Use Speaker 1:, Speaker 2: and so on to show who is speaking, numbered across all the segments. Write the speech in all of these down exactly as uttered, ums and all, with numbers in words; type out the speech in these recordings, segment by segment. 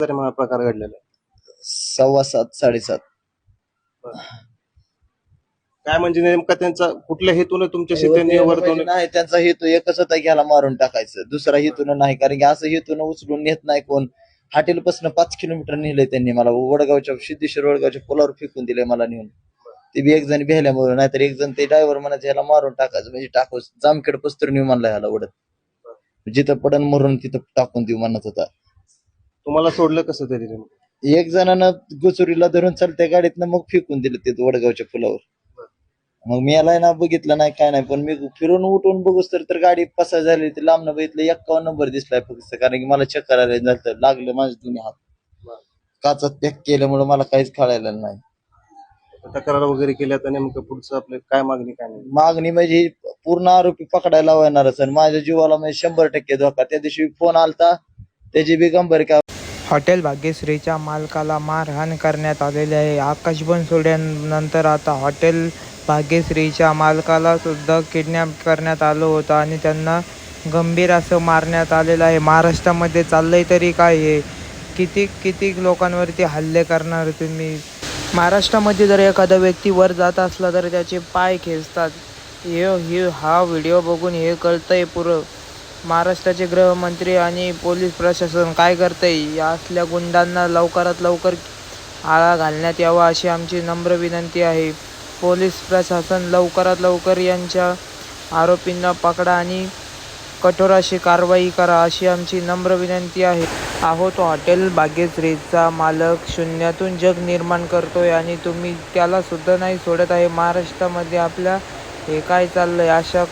Speaker 1: तरी मला प्रकार घडलेला आहे.
Speaker 2: सव्वा सात साडेसात.
Speaker 1: काय म्हणजे नेमका त्यांचा कुठल्या हेतून तुमच्याशी
Speaker 2: हो,
Speaker 1: त्यांनी
Speaker 2: ते
Speaker 1: वर्तवणूक
Speaker 2: म्हणजे नाही, त्यांचा हेतू एकच होता की ह्याला मारून टाकायचं, दुसरा हेतून नाही. कारण की असं हेतून उचलून नेत नाही कोण. हॉटेल पासून पाच किलोमीटर नेलंय त्यांनी मला, वडगावच्या सिद्धेश्वर वडगावच्या पुलावर फेकून दिलंय मला नेऊन. ते बी एक जण भेल्यामुळे, नाहीतर एक जण ते ड्रायव्हर म्हणायचं ह्याला मारून टाकायचं, म्हणजे टाकू जामखेड पस्तर नेऊ म्हणला ह्याला ओढत, जिथं पडन मरून तिथं टाकून देऊ म्हणत होता.
Speaker 1: तुम्हाला सोडलं कसं तरी नेमकं?
Speaker 2: एक जणानं गुचुरीला धरून चालत्या गाडीतनं मग फेकून दिलं ते वडगावच्या पुलावर. मग मी याला ना बघितलं नाही काय नाही, पण मी फिरून उठून बघूस तर तर गाडी पसार झाली. ते लांबनं बघितलं एक्कावन्न नंबर दिसलाय फक्त, कारण की मला चक्कर आले झालं, लागलं माझे दोन्ही हात. काचात पॅक केल्यामुळे मला काहीच कळायला नाही.
Speaker 1: तक्रार वगैरे केल्या तर नेमकं पुढचं आपलं काय मागणी काय नाही?
Speaker 2: मागणी म्हणजे पूर्ण आरोपी पकडायला लावणारच, आणि माझ्या जीवाला म्हणजे शंभर टक्के धोका. त्या दिवशी फोन आलता त्याची बी गंभीर का.
Speaker 3: हॉटेल भाग्यश्रीच्या मालकाला मारहाण करण्यात आलेली आहे. आकाश बनसोड्यानंतर आता हॉटेल भाग्यश्रीच्या मालकाला सुद्धा किडनॅप करण्यात आलं होतं आणि त्यांना गंभीर असं मारण्यात आलेलं आहे. महाराष्ट्रामध्ये चाललंय तरी काय हे? किती किती लोकांवरती हल्ले करणार तुम्ही? महाराष्ट्रामध्ये जर एखादा व्यक्ती वर जात असला तर त्याचे पाय खेचतात. हे हे हा व्हिडिओ बघून हे कळतंय पुरं. महाराष्ट्राचे गृहमंत्री आणि पोलीस प्रशासन काय करतंय? या असल्या गुंडांना लवकरात लवकर आळा घालण्यात यावा अशी आमची नम्र विनंती आहे. पोलीस प्रशासन लवकरात लवकर यांच्या आरोपींना पकडा आणि कठोर अशी कारवाई करा अशी आमची नम्र विनंती आहे. अहो, तो हॉटेल भाग्यश्रीचा मालक शून्यातून जग निर्माण करतोय आणि तुम्ही त्याला सुद्धा नाही सोडत आहे. महाराष्ट्रामध्ये आपल्या हे काय चाललंय? अशा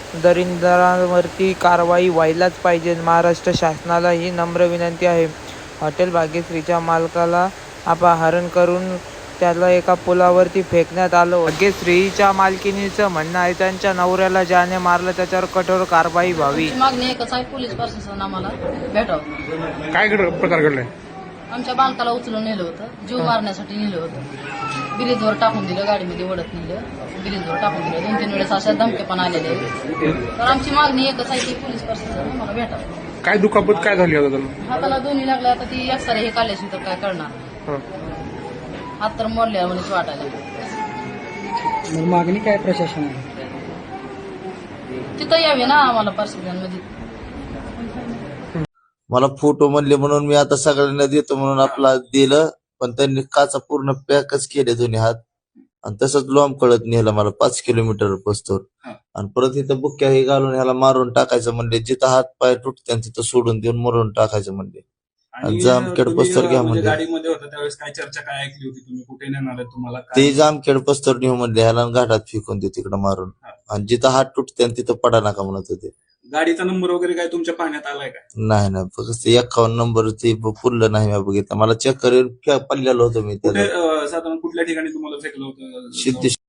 Speaker 3: दरिंदरांवरती कारवाई व्हायलाच पाहिजे. महाराष्ट्र शासनाला ही नम्र विनंती आहे. हॉटेल भाग्यश्रीच्या मालकाला अपहरण करून त्याला एका पुलावरती फेकण्यात आलं. भाग्यश्रीच्या मालकिनीचं म्हणणं आहे त्यांच्या नवऱ्याला ज्याने मारलं त्याच्यावर कठोर कारवाई व्हावी.
Speaker 4: मागणी एकच आहे, पोलीस प्रशासन आम्हाला भेटावं.
Speaker 5: काय घड प्रकार घडलाय?
Speaker 4: आमच्या बालकाला उचलून नेलं होतं, जीव मारण्यासाठी नेलं होतं. ब्रिजवर टाकून दिलं, गाडीमध्ये ओढत नेलं, ब्रिजवर टाकून दिलं. दोन तीन वेळेस अशा धमके पण आलेले आहेत. तर आमची मागणी एकच आहे की पोलीस प्रशासन आम्हाला भेटावं.
Speaker 5: काय दुखापत काय झाली आता त्यांना?
Speaker 4: हाताला दोन्ही लागले, आता ती एक्सरे हे काढल्याशी तर काय करणार?
Speaker 5: हं.
Speaker 4: हात तर मोडल्या म्हणून वाटायला.
Speaker 6: मग मागणी काय प्रशासन आहे?
Speaker 4: तिथं यावे ना आम्हाला प्रशासनमध्ये.
Speaker 2: मला फोटो म्हणले म्हणून मी आता सगळ्यांना देतो म्हणून आपला दिलं, पण त्यांनी काचा पूर्ण पॅकच केले दोन्ही हात, आणि तसंच लोंब कळत नेलं मला पाच किलोमीटर पस्तोर. आणि परत इथं बुक्या हे घालून ह्याला मारून टाकायचं म्हणले, जिथं हात पाय तुटते तिथं सोडून देऊन मरून टाकायचं म्हणले.
Speaker 7: आणि
Speaker 2: जामखेड
Speaker 7: तुम्ही,
Speaker 2: पस्तर घ्या
Speaker 7: म्हणजे
Speaker 2: म्हणले.
Speaker 7: गाडीमध्ये होता त्यावेळेस काय चर्चा काय ऐकली होती तुम्ही? कुठे नेणार आहे तुम्हाला? काय
Speaker 2: ते जामखेड पस्तर नेऊ म्हणले, ह्याला घाटात फेकून देऊ तिकडं मारून, आणि जिथं हात तुटते तिथं पडा नका म्हणत होते.
Speaker 7: गाडीचा नंबर वगैरे काय तुमच्या पाहण्यात आलाय का?
Speaker 2: नाही नाही, फक्त एक्कावन्न नंबर ते पुरलं नाही. मी बघितलं, मला चेक करून पडलेलं होतं मी
Speaker 7: कुठे
Speaker 2: त्याला.
Speaker 7: अं, साधारण कुठल्या ठिकाणी तुम्हाला फेकलं होतं?
Speaker 2: सिद्धेश्वर